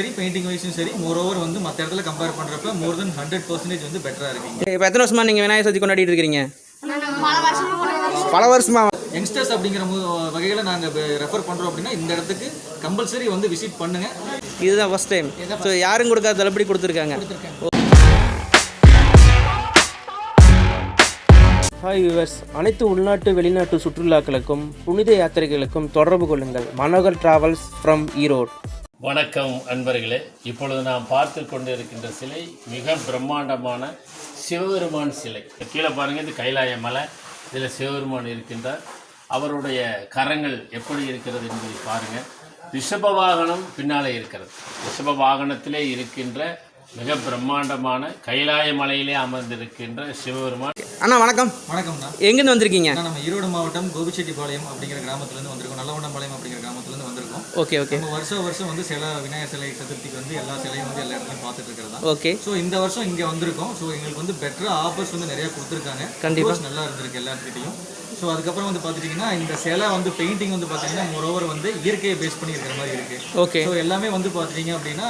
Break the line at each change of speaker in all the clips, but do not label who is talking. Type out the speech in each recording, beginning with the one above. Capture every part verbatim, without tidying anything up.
சரி பெயிண்டிங் வைஸும் சரி மோர் ஓவர் வந்து மற்ற இடத்துல கம்பேர் பண்ணுறப்ப மோர் தென் ஹண்ட்ரட் பர்சன்டேஜ் வந்து பெட்டராக இருக்குங்க.
இப்போ எத்தனை வருஷமா நீங்கள் விநாயகர் சதுர்த்தி கொண்டாடிட்டு இருக்கிறீங்க? பல வருஷமா.
யங்ஸ்டர்ஸ் அப்படிங்கிற வகையில் நாங்கள் ரெஃபர் பண்ணுறோம் அப்படின்னா இந்த இடத்துக்கு கம்பல்சரி வந்து விசிட் பண்ணுங்க.
இதுதான் ஃபர்ஸ்ட் டைம். ஸோ யாரும் கொடுக்காத தள்ளுபடி கொடுத்துருக்காங்க. ஹாய் வியூவர்ஸ், அனைத்து உள்நாட்டு வெளிநாட்டு சுற்றுலாக்களுக்கும் புனித யாத்திரைகளுக்கும் தொடர்பு கொள்ளுங்கள். Manohar travels from Erode.
வணக்கம் அன்பர்களே. இப்பொழுது நாம் பார்த்து கொண்டு இருக்கின்ற சிலை மிக பிரம்மாண்டமான சிவபெருமான் சிலை. கீழே பாருங்கள், இது கைலாய மலை. இதில் சிவபெருமான் இருக்கின்றார். அவருடைய கரங்கள் எப்படி இருக்கிறது என்பதை பாருங்கள். ரிஷப வாகனம் பின்னாலே இருக்கிறது. ரிஷப வாகனத்திலே இருக்கின்ற மிக பிரம்மாண்டமான கைலாய மலையிலே அமர்ந்திருக்கின்ற சிவபெருமான்.
அண்ணா வணக்கம்.
வணக்கம்ண்ணா.
எங்கேருந்து வந்திருக்கீங்க?
நம்ம ஈரோடு மாவட்டம் கோபிச்செட்டிப்பாளையம் அப்படிங்கிற கிராமத்துலேருந்து வந்திருக்கோம். நல்லவண்டம்பாளையம் அப்படிங்கிற கிராமத்துலேருந்து வந்திருக்கோம்.
Okay okay.
நம்ம வருஷம் வருஷம் வந்து சில விநாயகர் சிலை சதுர்த்திக்கு வந்து எல்லா சிலையும் வந்து எல்லா இடத்துலையும் பார்த்துட்டு இருக்கிறதா.
ஓகே.
ஸோ இந்த வருஷம் இங்கே வந்திருக்கோம். ஸோ எங்களுக்கு வந்து பெட்டர் ஆஃபர்ஸ் வந்து நிறைய கொடுத்துருக்காங்க.
கண்டிப்பாக
நல்லா இருந்திருக்கு எல்லாத்துக்கிட்டையும். ஸோ அதுக்கப்புறம் வந்து பார்த்துட்டிங்கன்னா இந்த சிலை வந்து பெயிண்டிங் வந்து பார்த்தீங்கன்னா மோரோவர் வந்து இயற்கையை பேஸ் பண்ணி இருக்கிற மாதிரி இருக்குது.
ஓகே.
ஸோ எல்லாமே வந்து பார்த்துட்டிங்க அப்படின்னா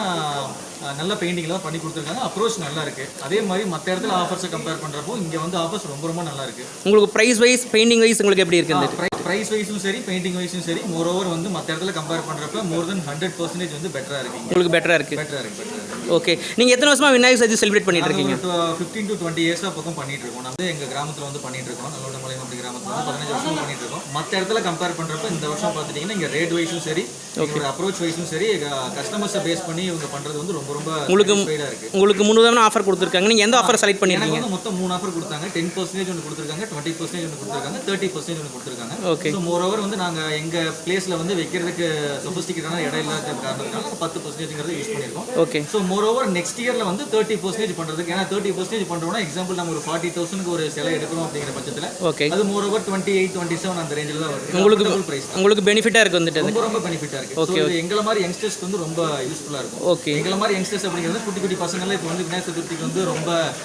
நல்ல பெயிண்டிங்லாம் பண்ணி கொடுத்துருக்காங்க. அப்ரோச் நல்லா இருக்குது. அதே மாதிரி மற்ற இடத்துல ஆஃபர்ஸை கம்பேர் பண்ணுறப்போ இங்கே வந்து ஆஃபர்ஸ் ரொம்ப ரொம்ப நல்லா இருக்குது.
உங்களுக்கு ப்ரைஸ் வைஸ் பெயிண்டிங் வைஸ் உங்களுக்கு எப்படி இருக்குது?
ப்ரைஸ் வைஸும் சரி பெயிண்டிங் வைஸும் சரி மோரோவர் வந்து மற்ற இடத்துல கம்பேர் பண்ணுறப்ப மோர் தென் ஹண்ட்ரட் பர்சன்டேஜ் வந்து பெட்டராக இருக்குது.
உங்களுக்கு பெட்டராக இருக்குது.
பெட்டராக இருக்குது பெட்டராக இருக்குது.
ஓகே. நீங்கள் எத்தனை வருஷமாக விநாயகர் சதுர்த்தி செலிப்ரேட் பண்ணிட்டு இருக்கீங்க?
ஃபிஃப்டீன் டு டுவெண்ட்டி இயர்ஸாக பக்கம் பண்ணிட்டு இருக்கோம். நம்ம எங்கள் கிராமத்தில் வந்து பண்ணிட்டு இருக்கோம். நல்லவண்டம்பாளையம் அப்படி கிராமத்தில் வந்து பதினஞ்சு வருஷம் பண்ணிட்டு இருக்கோம். மற்ற இடத்துல கம்பேர் பண்ணுறப்ப இந்த வருஷம் பார்த்துட்டிங்கன்னா இங்கே ரேட் வைஸும் சரி ஒரு அப்ரோச் வைஸும் சரி கஸ்டமர்ஸை பேஸ் பண்ணி இவங்க பண்ணுறது வந்து ரொம்ப ரொம்ப
உங்களுக்கு உங்களுக்கு முன்னுதான ஆஃபர் கொடுத்துருக்காங்க. நீங்கள் எந்த ஆஃபர் செலக்ட் பண்ணிருக்கீங்க?
வந்து மொத்தம் மூணு ஆஃபர் கொடுத்தாங்க. டென் பர்சன்டேஜ் ஒன்று கொடுத்துருக்காங்க, டுவெண்ட்டி பர்சன்டேஜ் ஒன்று கொடுத்துருக்காங்க, தேர்ட்டி பர்சன்டேஜ் ஒன்று கொடுத்துருக்காங்க.
ஓகே.
ஸோ மோர் ஓவர் வந்து நாங்கள் எங்கள் பிளேஸில் வந்து வைக்கிறதுக்கு சொஃபிஸ்டிகேட்டான இடம் இல்லாத காரணத்தினால பத்து பர்சன்டேஜ்ங்கிறது யூஸ் பண்ணியிருக்கோம்.
Okay.
So more over next இயரில் வந்து தேர்ட்டி பர்சன்டேஜ் பண்ணுறதுக்கு, ஏன்னா தேர்ட்டி பர்சன்டேஜ் பண்ணுறோம்னா எக்ஸாம்பிள் நம்ம ஒரு ஃபார்ட்டி தௌசண்ட்க்கு ஒரு சிலை எடுக்கணும் அப்படிங்கிற பட்சத்தில்
ஓகே அது
more over twenty eight twenty seven அந்த ரேஞ்சில் தான் வருது.
உங்களுக்கு பிரைஸ் உங்களுக்கு பெனிஃபிட்டாக இருக்குது வந்துட்டு.
ரொம்ப ரொம்ப பெனிஃபிட்டாக இருக்குது. ஓகே. எங்களை மாதிரி யங்ஸ்டர்ஸ்க்கு வந்து ரொம்ப யூஸ்ஃபுல்லாக இருக்கும். ஓகே. எங்களை மாதிரி யங்ஸ்டர்ஸ் அப்படிங்கிறது குட்டி குட்டி பசங்கள்லாம் இப்போ வந்து விநாயகர் சதுர்த்திக்கு வந்து ரொம்ப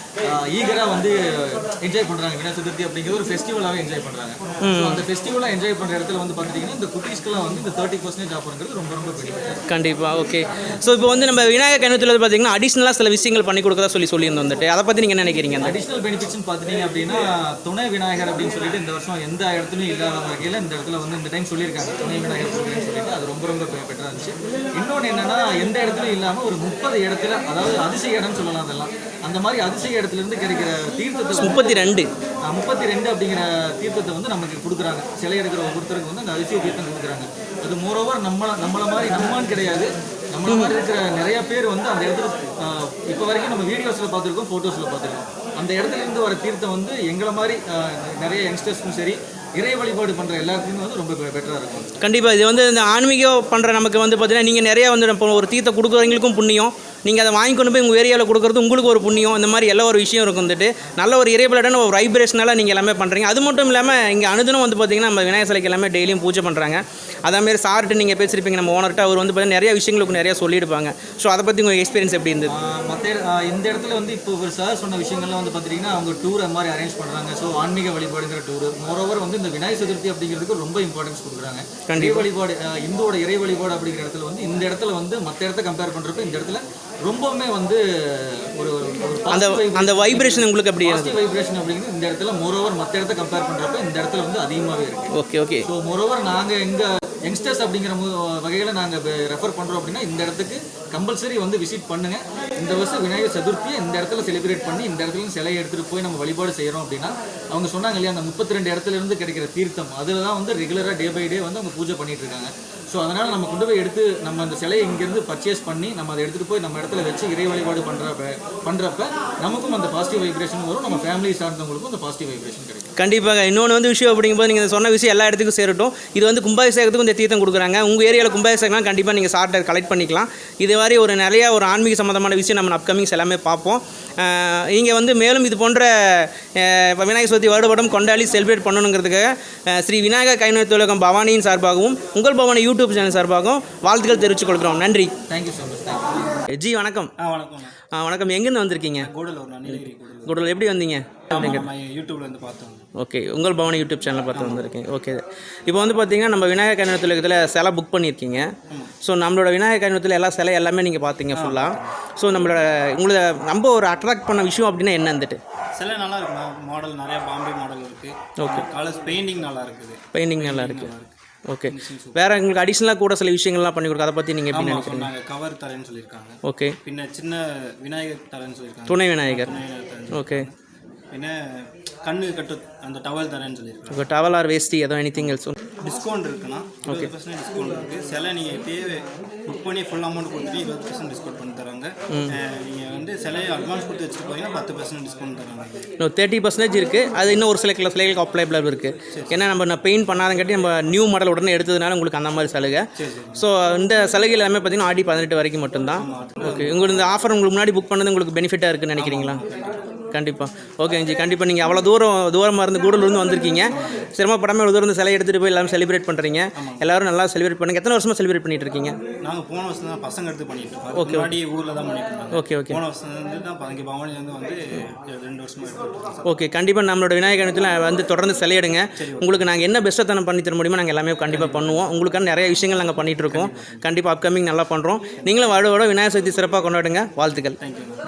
ஈகராக வந்து என்ஜாய் பண்ணுறாங்க. விநாயகர் சதுர்த்தி அப்படிங்கிறது ஒரு ஃபெஸ்டிவலாகவே என்ஜாய் பண்ணுறாங்க. ஸோ அந்த ஃபெஸ்டிவலாக என்ஜாய் பண்ணுற இடத்துல வந்து பார்த்துட்டிங்கன்னா இந்த குட்டீஸ்க்கெல்லாம் வந்து இந்த தேர்ட்டி பர்சன்டேஜ் ஆஃபருங்கிறது ரொம்ப ரொம்ப பெனிஃபிட்.
கண்டிப்பாக. ஓகே. ஸோ இப்போ வந்து நம்ம விநாயகர் கணத்தில் பார்த்தீங்கன்னா அடிஷ்னலாக சில விஷயங்கள் பண்ணி கொடுக்கறதா சொல்லி சொல்லியிருந்தோம் வந்துட்டு. அதை பற்றி நீங்கள் என்ன நினைக்கிறீங்க?
அடிஷ்னல் பெனிஃபிட்ஸ்னு பார்த்துட்டீங்க அப்படின்னா துணை விநாயகர் அப்படின்னு சொல்லிட்டு இந்த வருஷம் எந்த இடத்துலையும் இல்லாத வகையில் இந்த இடத்துல வந்து இந்த டைம் சொல்லியிருக்காங்க துணை விநாயகர் கொடுக்குறேன்னு சொல்லிட்டு. அது ரொம்ப ரொம்ப பெட்டராக இருந்துச்சு. இன்னொன்று என்னன்னா எந்த இடத்துலையும் இல்லாமல் ஒரு முப்பது இடத்துல, அதாவது அதிசய இடம்னு சொல்லலாம் அதெல்லாம், அந்த மாதிரி அதிசய இடத்துல இருந்து கிடைக்கிற தீர்த்தத்தை முப்பத்தி ரெண்டு முப்பத்தி ரெண்டு அப்படிங்கிற தீர்த்தத்தை வந்து நமக்கு கொடுக்குறாங்க. சிலை எடுக்கிற ஒவ்வொருத்தருக்கு வந்து அந்த அதிசய தீர்த்தம் கொடுக்குறாங்க. அது மோரோவர் நம்ம நம்மளை மாதிரி நம்மன்னு கிடையாது, நம்மள மாதிரி இருக்கிற நிறைய பேர் வந்து அந்த இடத்துல இப்போ வரைக்கும் நம்ம வீடியோஸில் பார்த்துருக்கோம், ஃபோட்டோஸில் பார்த்துருக்கோம். அந்த இடத்துல இருந்து வர தீர்த்தம் வந்து எங்களை மாதிரி நிறைய யங்ஸ்டர்ஸ்க்கும் சரி இறை வழிபாடு பண்ணுற எல்லாத்துக்குமே வந்து ரொம்ப பெட்டராக இருக்கும்.
கண்டிப்பாக. இது வந்து இந்த ஆன்மீகம் பண்ணுற நமக்கு வந்து பார்த்தீங்கன்னா நீங்கள் நிறையா வந்து இப்போ ஒரு தீர்த்தை கொடுக்குறவங்களுக்கும் புண்ணியம், நீங்கள் அதை வாங்கி கொண்டு போய் உங்கள் ஏரியாவில் கொடுக்குறது உங்களுக்கு ஒரு புண்ணியம். இந்த மாதிரி எல்லா ஒரு விஷயம் இருக்கும் வந்துட்டு. நல்ல ஒரு இறைவலான ஒரு வைப்ரேஷனால நீங்கள் எல்லாமே பண்ணுறீங்க. அது மட்டும் இல்லாமல் இங்கே அனுதினம் வந்து பார்த்திங்கன்னா நம்ம விநாயகர் சிலைக்கு எல்லாமே டெய்லியும் பூஜை பண்ணுறாங்க. அதேமாதிரி சார்ட்டு நீங்கள் பேசியிருப்பீங்க நம்ம ஓனர்கிட்ட, அவர் வந்து பார்த்தீங்கன்னா நிறைய விஷயங்களுக்கு நிறையா சொல்லியிருப்பாங்க. ஸோ அதை பற்றி உங்கள் எக்ஸ்பீரியன்ஸ் எப்படி இருந்தது?
மற்ற இந்த இடத்துல வந்து இப்போ ஒரு சார் சொன்ன விஷயங்கள்லாம் வந்து பார்த்திங்கன்னா அவங்க டூர் அந்த மாதிரி அரேஞ்ச் பண்ணுறாங்க. ஸோ ஆன்மீக வழிபாடுங்கிற டூர் மோரோவர் வந்து இந்த விநாயகர் சதுர்த்தி அப்படிங்கிறதுக்கு ரொம்ப இம்பார்ட்டன்ஸ் கொடுக்குறாங்க. இறை வழிபாடு, இந்துவோட இறை வழிபாடு அப்படிங்கிற இடத்துல வந்து இந்த இடத்துல வந்து மற்ற இடத்த கம்பேர் பண்ணுறப்ப இந்த இடத்துல ரொம்பவுமே வந்து ஒரு
அந்த அந்த வைப்ரேஷன் உங்களுக்கு அப்படி
பாசிட்டிவ் வைப்ரேஷன் அப்படிங்கிறது இந்த இடத்துல மோரோவர் மற்ற இடத்த கம்பேர் பண்ணுறப்ப இந்த இடத்துல வந்து அதிகமாகவே இருக்குது.
Okay okay.
ஸோ மோரோவர் நாங்கள் எங்கள் யங்ஸ்டர்ஸ் அப்படிங்கிற வகையில் நாங்கள் ரெஃபர் பண்ணுறோம் அப்படின்னா இந்த இடத்துக்கு கம்பல்சரி வந்து விசிட் பண்ணுங்கள். இந்த வருஷம் விநாயகர் சதுர்த்தியை இந்த இடத்துல செலிப்ரேட் பண்ணி இந்த இடத்துல சிலையை எடுத்துகிட்டு போய் நம்ம வழிபாடு செய்கிறோம் அப்படின்னா அவங்க சொன்னாங்க இல்லையா, அந்த முப்பத்தி ரெண்டு இடத்துல இருந்து கிடைக்கிற தீர்த்தம் அதில் தான் வந்து ரெகுலராக டே பை டே வந்து அவங்க பூஜை பண்ணிட்டு இருக்காங்க. ஸோ அதனால் நம்ம கொண்டு போய் எடுத்து நம்ம அந்த சிலையை இங்கேருந்து பர்ச்சேஸ் பண்ணி நம்ம அதை எடுத்துகிட்டு போய் நம்ம இடத்துல வச்சு இறை வழிபாடு பண்ணுறப்ப பண்ணுறப்ப நமக்கும் அந்த பாசிட்டிவ் வைப்ரேஷன் வரும், நம்ம ஃபேமிலி சார்ந்தவங்களுக்கும் அந்த பாசிட்டிவ் வைப்ரேஷன் கிடைக்கும்.
கண்டிப்பாக. இன்னொன்று வந்து விஷயம் அப்படிங்கும்போது நீங்கள் சொன்ன விஷயம் எல்லா இடத்துக்கும் சேரட்டும். இது வந்து கும்பாபிஷேகத்துக்கும் இந்த தீர்த்தம் கொடுக்குறாங்க. உங்கள் ஏரியாவில் கும்பாபிஷேகம்லாம் கண்டிப்பாக நீங்கள் சார்ட்டை கலெக்ட் பண்ணிக்கலாம். இது மாதிரி ஒரு நிறையா ஒரு ஆன்மீக சம்மந்தமான விஷயம் நம்ம அப்கமிங்ஸ் எல்லாமே பார்ப்போம். இங்கே வந்து மேலும் இது போன்ற விநாயகர் சதுர்த்தி வருடப்படம் கொண்டாடி செலிப்ரேட் பண்ணணுங்கிறதுக்காக ஸ்ரீ விநாயகர் கைநோய் தொழிலகம் பவானியின் சார்பாகவும் உங்கள் பவானி யூடியூப் சேனல் சார்பாகவும் வாழ்த்துக்கள் தெரிவித்துக் கொள்கிறோம். நன்றி.
Thank you so much.
ஜி வணக்கம்.
வணக்கம்.
வணக்கம். எங்கேருந்து வந்திருக்கீங்க?
கூடலூர். நீலகிரி கூடலூர்.
கூடலூர் எப்படி வந்தீங்க?
யூடியூப்ல இருந்து பார்த்தோம்.
ஓகே, உங்கள் பவனி யூடியூப் சேனல் பார்த்து வந்திருக்கீங்க. ஓகே, இப்போ வந்து பார்த்தீங்கன்னா நம்ம விநாயகர் கல்யாணத்தில் இதில் சிலை புக் பண்ணியிருக்கீங்க. ஸோ நம்மளோட விநாயகர் கல்யாணத்தில் எல்லா சிலை எல்லாமே நீங்கள் பார்த்தீங்க ஃபுல்லாக. ஸோ நம்மளோட உங்களை ரொம்ப ஒரு அட்ராக்ட் பண்ண விஷயம் அப்படின்னா என்ன வந்துட்டு?
சிலை நல்லா இருக்குண்ணா, மாடல் நிறைய பாம்பே மாடல் இருக்குது.
ஓகே,
கலர்ஸ் பெயிண்டிங் நல்லா இருக்குது.
பெயிண்டிங் நல்லா இருக்குது. ஓகே, வேறு உங்களுக்கு அடிஷ்னலாக கூட சில விஷயங்கள்லாம் பண்ணி கொடுக்க, அதை பற்றி நீங்கள் எப்படி நினைக்கிறீங்க?
கவர் தரேன்னு சொல்லியிருக்காங்க.
ஓகே,
பின்ன சின்ன விநாயகர் தரேன்னு சொல்லியிருக்காங்க.
துணை விநாயகர். ஓகே,
பின்ன கண்ணு கட்டு அந்த டவல் தரேன்னு சொல்லியிருக்காங்க.
ஓகே, டவல் ஆர் வேஸ்டி ஏதோ எனி திங் எல்ஸ்
டிஸ்கவுண்ட் இருக்குண்ணா. இருபது பர்சன்ட் டிஸ்கவுண்ட் இருக்குது. சிலை நீங்கள் இப்போயே புக் பண்ணி ஃபுல் அமௌண்ட் கொடுத்துட்டு இருபது பர்சன்ட் டிஸ்கவுண்ட் பண்ணி தராங்க. நீங்கள் வந்து சிலையை அட்வான்ஸ் கொடுத்து வச்சுட்டு போனீங்கன்னா பத்து பர்சன்ட் டிஸ்கவுண்ட் தராங்க.
இன்னும் தேர்ட்டி பர்சன்டேஜ் இருக்குது. அது இன்னும் ஒரு சில கிலோ சிலைகளுக்கு அப்ளைபிளாக இருக்குது. ஏன்னா நம்ம நான் பெயிண்ட் பண்ணாதங்காட்டி நம்ம நியூ மாடல் உடனே எடுத்ததுனால உங்களுக்கு அந்த மாதிரி சலுகை. ஸோ இந்த சலுகை எல்லாமே பார்த்தீங்கன்னா ஆடி பதினெட்டு வரைக்கும் மட்டும்தான். ஓகே, உங்களுக்கு இந்த ஆஃபர் உங்களுக்கு முன்னாடி புக் பண்ணது உங்களுக்கு பெனிஃபிட்டாக இருக்குன்னு நினைக்கிறீங்களா? கண்டிப்பாக. ஓகே ஜி, கண்டிப்பாக நீங்கள் அவ்வளோ தூரம் தூரமாக இருந்து கூடலூர்ந்து வந்திருக்கீங்க. சிரமப்படாமல் இவ்வளோ தூரம் சிலையை எடுத்துகிட்டு போய் எல்லாரும் செலிப்ரேட் பண்ணுறீங்க. எல்லாரும் நல்லா செலிப்ரேட் பண்ணுங்க. எத்தனை வருஷமாக செலிப்ரேட் பண்ணிட்டு இருக்கீங்க?
நாங்கள் போன வருஷம் தான் பசங்க எடுத்து பண்ணிட்டு இருக்கோம். ஓகே, முன்னாடி ஊரில் தான் பண்ணிட்டு இருக்கோம்.
ஓகே ஓகே,
போன வருஷம் வந்து தான் பதினஞ்சு பவனிலேருந்து வந்து ரெண்டு வருஷமாக எடுத்துருக்கோம்.
ஓகே, கண்டிப்பாக நம்மளோட விநாயகத்தில் வந்து தொடர்ந்து சிலையிடுங்க. உங்களுக்கு நாங்கள் என்ன பெஸ்ட்டாக பண்ணி தர முடியுமோ நாங்கள் எல்லாமே கண்டிப்பாக பண்ணுவோம். உங்களுக்கான நிறைய விஷயங்கள் நாங்கள் பண்ணிகிட்டு இருக்கோம். கண்டிப்பாக அப்கமிங் நல்லா பண்ணுறோம். நீங்களும் வாழோட விநாயகர் சதுர்த்தி சிறப்பாக கொண்டாடுங்க. வாழ்த்துக்கள்.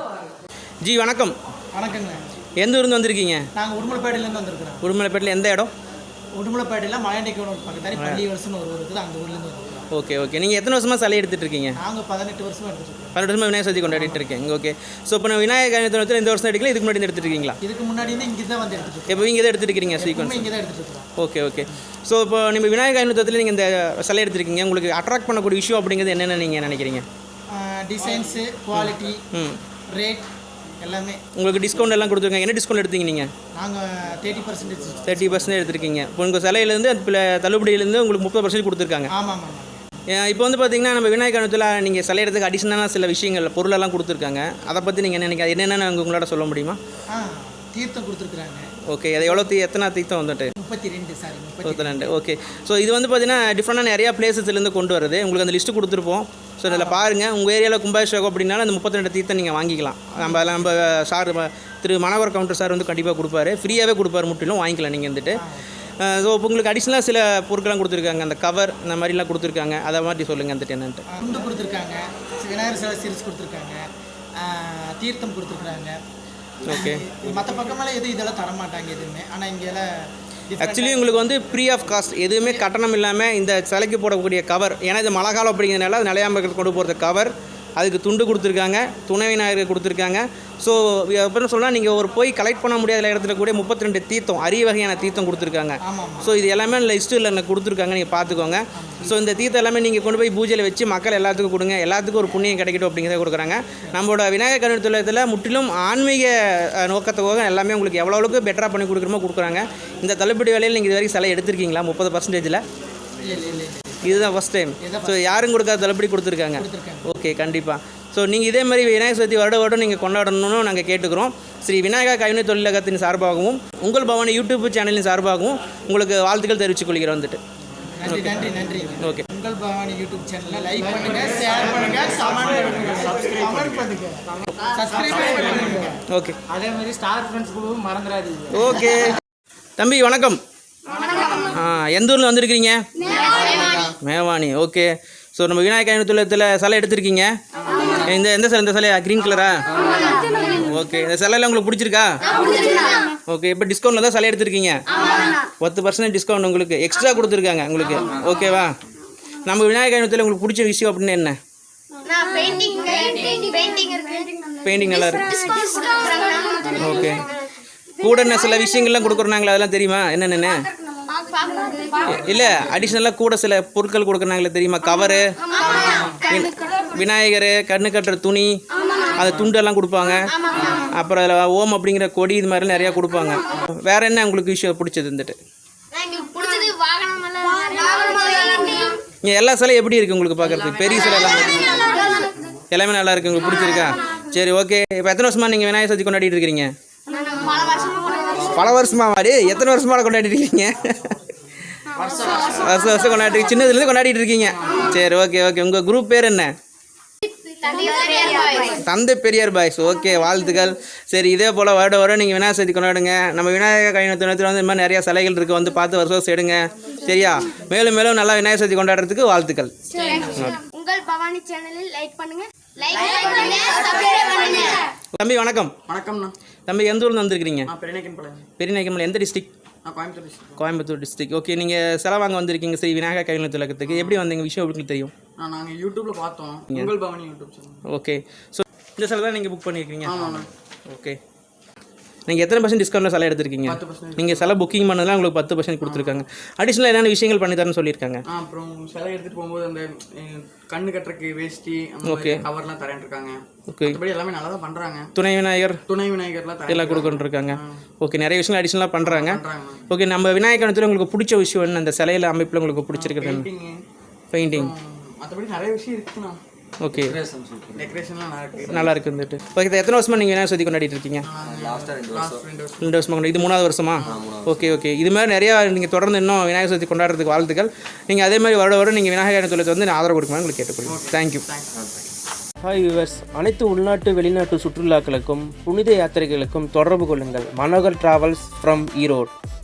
ஜி வணக்கம்.
வணக்கங்க.
எந்த ஊர்ந்து வந்திருக்கீங்க?
நாங்கள் உடுமலைப்பேட்டையிலேருந்து வந்திருக்கிறோம்.
உடுமலைப்பேட்டையில் எந்த இடம்?
உடுமலைப்பேட்டையில் மலையண்டைக்கு பக்கத்தாரி பள்ளி வருஷம்னு ஒரு ஊர் இருக்குது, அந்த ஊர்லேருந்து வந்திருக்கோம்.
ஓகே ஓகே, நீங்கள் எத்தனை வருஷமாக சிலை எடுத்துகிட்டு இருக்கீங்க?
நாங்கள் பதினெட்டு வருஷமாக எடுத்துகிட்டு இருக்கோம்.
பதினெட்டு வருஷமாக விநாயகர் சதுர்த்தி கொண்டாடிட்டு இருக்கேன். ஓகே, ஸோ இப்போ நான் விநாயகர் கல்யாணத்தில் இந்த வருஷம் எடுக்கல, இதுக்கு முன்னாடி எடுத்துட்டு இருக்கீங்களா?
இதுக்கு முன்னாடி இருந்து இங்கே தான் வந்து எடுத்துகிட்டு இருக்கோம்.
இப்போ இங்கே தான் எடுத்துட்டு இருக்கீங்க சீக்வன்ஸ்?
இங்கே தான் எடுத்துகிட்டு இருக்கோம்.
ஓகே ஓகே, ஸோ இப்போ நம்ம விநாயகர் கல்யாணத்தில் நீங்கள் இந்த சிலை எடுத்துருக்கீங்க. உங்களுக்கு அட்ராக்ட் பண்ணக்கூடிய விஷயம் அப்படிங்கிறது என்னென்ன நீங்கள் நினைக்கிறீங்க?
டிசைன்ஸு, குவாலிட்டி, ரேட் எல்லாமே.
உங்களுக்கு டிஸ்கவுண்ட் எல்லாம் கொடுத்துருக்காங்க. என்ன டிஸ்கவுண்ட் எடுத்தீங்க நீங்கள்?
நாங்கள் தேர்ட்டி பர்சன்டேஜ்
தேர்ட்டி பர்சன்ட் எடுத்துருக்கீங்க. இப்போ உங்கள் சிலையிலேருந்து அது தள்ளுபடியிலேருந்து உங்களுக்கு முப்பது பர்சன்ட் கொடுத்துருக்காங்க.
ஆமாம் ஆமாம்.
இப்போ வந்து பார்த்தீங்கன்னா நம்ம விநாயகர் கல்யாணத்தில் நீங்கள் சிலை எடுத்துக்கு அடிஷனலாக சில விஷயங்கள் பொருளெல்லாம் கொடுத்துருக்காங்க. அதை பற்றி நீங்கள் என்ன நினைக்க என்னென்ன உங்களோட சொல்ல முடியுமா?
ஆ, தீர்த்தம் கொடுத்துருக்குறாங்க.
ஓகே, அது எவ்வளோ தீ எத்தனை தீர்த்தம் வந்துட்டு?
முப்பத்தி ரெண்டு சாரி
முப்பத்தி ரெண்டு. ஓகே, ஸோ இது வந்து பார்த்தீங்கன்னா டிஃப்ரெண்டாக நிறையா பிளேசஸ்லேருந்து கொண்டு வருது. உங்களுக்கு அந்த லிஸ்ட்டு கொடுத்துருப்போம். ஸோ இதில் பாருங்கள், உங்கள் ஏரியாவில் கும்பாபிஷேகம் அப்படின்னாலும் அந்த முப்பத்தி ரெண்டு தீர்த்தம் நீங்கள் வாங்கிக்கலாம். நம்ம நம்ம சார் திரு மனோகர் கவுண்டர் சார் வந்து கண்டிப்பாக கொடுப்பாரு, ஃப்ரீயாகவே கொடுப்பாரு, முற்றிலும் வாங்கிக்கலாம் நீங்கள் வந்துட்டு. ஸோ இப்போ உங்களுக்கு அடிஷ்னலாக சில பொருட்கள்லாம் கொடுத்துருக்காங்க, அந்த கவர் இந்த மாதிரிலாம் கொடுத்துருக்காங்க. அதை மாதிரி சொல்லுங்கள் வந்துட்டு என்னன்ட்டு.
துண்டு கொடுத்துருக்காங்க, விநாயகர் சிலை சீரிஸ் கொடுத்துருக்காங்க, தீர்த்தம் கொடுத்துருக்குறாங்க.
ஓகே,
மற்ற பக்கமெல்லாம் எதுவும் இதெல்லாம் தரமாட்டாங்க எதுவுமே. ஆனால் இங்கெல்லாம்
ஆக்சுவலி உங்களுக்கு வந்து ஃப்ரீ ஆஃப் காஸ்ட், எதுவுமே கட்டணம் இல்லாமல் இந்த சிலைக்கு போடக்கூடிய கவர். ஏன்னா இது மழை காலம் அப்படிங்கிறதுனால அது நிலையாமல் கொண்டு போகிறது கவர், அதுக்கு துண்டு கொடுத்துருக்காங்க, துணை விநாயகர் கொடுத்துருக்காங்க. ஸோ அப்புறம் சொன்னால் நீங்கள் ஒரு போய் கலெக்ட் பண்ண முடியாத இடத்துல கூட முப்பத்தி ரெண்டு தீர்த்தம், அரிய வகையான தீர்த்தம் கொடுத்துருக்காங்க. ஸோ இது எல்லாமே லிஸ்ட்டில் எனக்கு கொடுத்துருக்காங்க, நீங்கள் பார்த்துக்கோங்க. ஸோ இந்த தீர்த்தம் எல்லாமே நீங்கள் கொண்டு போய் பூஜையில் வச்சு மக்கள் எல்லாத்துக்கும் கொடுங்க, எல்லாத்துக்கும் ஒரு புண்ணியம் கிடைக்கட்டும் அப்படிங்கிறத கொடுக்குறாங்க. நம்மளோட விநாயகர் கல்யாணத்தில் முற்றிலும் ஆன்மீக நோக்கத்துக்காக எல்லாமே உங்களுக்கு எவ்வளோ அளவுக்கு பெட்டராக பண்ணி கொடுக்குறமோ கொடுக்குறாங்க. இந்த தள்ளுபடி வேலையில் நீங்கள் இது வரைக்கும் சிலை எடுத்திருக்கீங்களா? முப்பது பர்சன்டேஜில் இதுதான் ஃபஸ்ட் டைம். ஸோ யாரும் கொடுக்காத தள்ளுபடி கொடுத்துருக்காங்க. ஓகே, கண்டிப்பாக. ஸோ நீங்கள் இதே மாதிரி விநாயகர் சதுர்த்தி வருட வருடம் நீங்கள் கொண்டாடணும்னு நாங்கள் கேட்டுக்கிறோம். ஸ்ரீ விநாயகர் கைவினை தொழிலகத்தின் சார்பாகவும் உங்கள் பவனி யூடியூப் சேனலின் சார்பாகவும் உங்களுக்கு வாழ்த்துக்கள் தெரிவித்துக் கொள்கிறோம் வந்துட்டு.
நன்றி நன்றி நன்றி.
ஓகே,
உங்கள் பவானி யூடியூப் சேனலை லைக் பண்ணுங்க, ஷேர் பண்ணுங்க, கமெண்ட் பண்ணுங்க, சப்ஸ்கிரைப் பண்ணுங்க, சப்ஸ்கிரைப் பண்ணுங்க.
ஓகே,
அதே மாதிரி ஸ்டார் ஃப்ரெண்ட்ஸ் குழுவும் மறந்துடாதீங்க.
ஓகே தம்பி வணக்கம். ஆ, எந்த ஊரில் வந்திருக்கிறீங்க? மேவானி. ஓகே, ஸோ நம்ம விநாயகர் கைவினைத்தில் சிலை எடுத்திருக்கீங்க. இந்த எந்த சிலை? இந்த சிலையா? க்ரீன் கலரா? ஓகே, இந்த சிலையில் உங்களுக்கு பிடிச்சிருக்கா? ஓகே, இப்போ டிஸ்கவுண்ட்டில் தான் சிலை எடுத்திருக்கீங்க. பத்து பர்சன்ட் டிஸ்கவுண்ட் உங்களுக்கு எக்ஸ்ட்ரா கொடுத்துருக்காங்க உங்களுக்கு. ஓகேவா? நம்ம விநாயகர் கைவினைத்தில் உங்களுக்கு பிடிச்ச விஷயம் அப்படின்னு என்ன? பெயிண்டிங் நல்லா இருக்கு. ஓகே, கூட என்ன சில விஷயங்கள்லாம் கொடுக்குறாங்களா, அதெல்லாம் தெரியுமா என்னென்னு? இல்லை, அடிஷ்னலாக கூட சில பொருட்கள் கொடுக்குறாங்களே தெரியுமா? கவரு, விநாயகர் கண்ணு கட்டுற துணி, அது துண்டெல்லாம் கொடுப்பாங்க. அப்புறம் அதில் ஓம் அப்படிங்கிற கொடி, இது மாதிரிலாம் நிறையா கொடுப்பாங்க. வேற என்ன உங்களுக்கு விஷயம் பிடிச்சது வந்துட்டு? இங்கே எல்லா சிலை எப்படி இருக்குது உங்களுக்கு பார்க்குறதுக்கு? பெரிய சிலை எல்லாம் எல்லாமே நல்லா இருக்குது, உங்களுக்கு பிடிச்சிருக்கா? சரி, ஓகே. இப்போ எத்தனை வருஷமாக நீங்கள் விநாயகர் சதுர்த்தி கொண்டாடிட்டு இருக்கிறீங்க? பல வருஷமா வாடி எத்தனை வருஷமாக கொண்டாடிட்டு இருக்கீங்க? வருஷம் வருஷம் கொண்டாடி, சின்னதுலேருந்து கொண்டாடிட்டு இருக்கீங்க. சரி, ஓகே ஓகே. உங்கள் குரூப் பேர் என்ன? தந்தை பெரியார் பாய்ஸ். ஓகே, வாழ்த்துக்கள். சரி, இதே போல் வருட வருடம் நீங்கள் விநாயகர் சதுர்த்தி கொண்டாடுங்க. நம்ம விநாயகர் கைநத்தில் வந்து இந்த மாதிரி நிறையா சிலைகள் இருக்குது, வந்து பார்த்து வருஷம் வருஷம் எடுங்க. சரியா? மேலும் மேலும் நல்லா விநாயகர் சதுர்த்தி கொண்டாடுறதுக்கு வாழ்த்துக்கள்.
உங்கள் பவானி சேனலில் லைக் பண்ணுங்க, லைக் பண்ணுங்க, சப்ஸ்கிரைப் பண்ணுங்க.
தம்பி வணக்கம்.
வணக்கம்ண்ணா.
தம்பி எந்த ஊர்ல வந்துருக்கீங்க?
நான் பெரியநாயக்கன்பள்ளம்.
பெரியநாயக்கன்பள்ளம் எந்த டிஸ்ட்ரிக்ட்?
நான் Coimbatore district.
Coimbatore district. Okay, நீங்கள் செலவு வாங்க வந்திருக்கீங்க ஸ்ரீ விநாயகர் கைநல் திலகத்துக்கு. எப்படி வந்தீங்க? விஷயம் உங்களுக்கு தெரியும்?
நான் நாங்கள் யூடியூப்ல பார்த்தோம், உங்கள் Bhavani YouTube channel.
Okay, so இந்த சிலை தான் நீங்கள் புக் பண்ணியிருக்கீங்க?
ஆமாண்ணா.
ஓகே, நீங்கள் எத்தனை பர்சன்ட் டிஸ்கவுண்ட்டில் சிலை எடுத்திருக்கீங்க?
பத்து பர்சன்ட்.
நீங்கள் சிலை புக்கிங் பண்ணதுலாம் உங்களுக்கு பத்து பர்சன்ட் கொடுத்துருக்காங்க. அடிஷ்னலாக என்னென்ன விஷயங்கள் பண்ணி தரேன்னு சொல்லியிருக்காங்க?
ஆ, அப்புறம் சிலை எடுத்துட்டு போகும்போது அந்த அஹ், கண்ணு கட்டுறதுக்கு வேஷ்டி அந்த
Okay.
கவர்லாம் தரேன் இருக்காங்க.
ஓகே,
மற்றபடி எல்லாமே நல்லா தான் பண்றாங்க.
துணை விநாயகர்
துணை விநாயகர்லாம் தரேன்
எல்லாம் கொடுக்குன்ட்ருக்காங்க. ஓகே, நிறைய விஷயங்கள் அடிஷ்னலாக பண்ணுறாங்க.
பண்றாங்க.
ஓகே, நம்ம விநாயகர் கணத்தில் உங்களுக்கு பிடிச்ச விஷயம் என்ன? அந்த சிலையில் அமைப்பில் உங்களுக்கு பிடிச்சிருக்கிறது என்ன?
Painting,
painting.
மற்றபடி நிறைய விஷயம் இருக்குண்ணா.
ஓகே,
டெக்கரேஷன்லாம் நல்லா இருக்கு.
நல்லா இருக்குன்னுட்டு. ஓகே, எத்தனை வருஷமாக நீங்கள் விநாயகர் சதுர்த்தி கொண்டாடிட்டு இருக்கீங்க?
லாஸ்ட் ரெண்டு வருஷம்.
ரெண்டு வருஷமா கொண்டு இது மூணாவது வருஷமா? ஓகே ஓகே, இது மாதிரி நிறையா நீங்கள் தொடர்ந்து இன்னும் விநாயகர் சதுர்த்தி கொண்டாடுறதுக்கு வாழ்த்துக்கள். நீங்கள் அதே மாதிரி வருட வருடம் நீங்கள் விநாயகர் தொழிலுக்கு வந்து ஆதரவு கொடுக்கணும் உங்களுக்கு கேட்டுக்கொள்ளுங்க. தேங்க்யூ. ஹாய் வியூவர்ஸ், அனைத்து உள்நாட்டு வெளிநாட்டு சுற்றுலாக்களுக்கும் புனித யாத்திரைகளுக்கும் தொடர்பு கொள்ளுங்கள். Manohar travels from Erode.